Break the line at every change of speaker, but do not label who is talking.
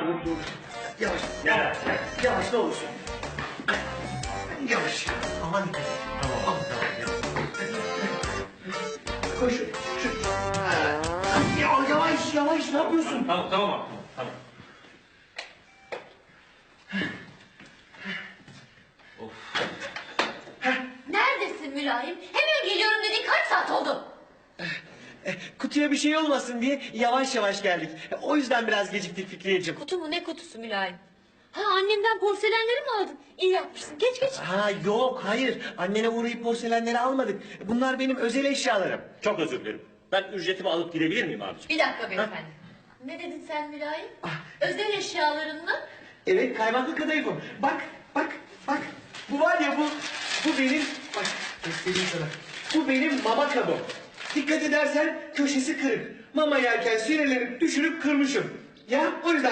dur. Yavaş. Yavaş. Yavaş ne olursun. Yavaş. Aman dikkat et. Tamam. Koş. Yavaş yavaş ne yapıyorsun?
Tamam abi. Tamam.
Neredesin Mülayim? Hemen geliyorum dedin, kaç saat oldu?
Kutuya bir şey olmasın diye yavaş yavaş geldik. O yüzden biraz geciktik Fikriyeciğim.
Kutu mu, ne kutusu Mülayim? Ha, annemden porselenleri mi aldın? İyi yapmışsın, geç.
Ha yok hayır. Annene uğrayıp porselenleri almadık. Bunlar benim özel eşyalarım.
Çok özür dilerim. Ben ücretimi alıp gidebilir miyim abiciğim?
Bir dakika beyefendi. Ne dedin sen Mülayim? Özel eşyaların mı?
Evet kaymaklı kadayıfım. Bak. Bu var ya bu benim. Bak göstereyim sana. Bu benim mama kabım. Dikkat edersen köşesi kırık. Mama yerken süreleri düşürüp kırmışım. Ya o yüzden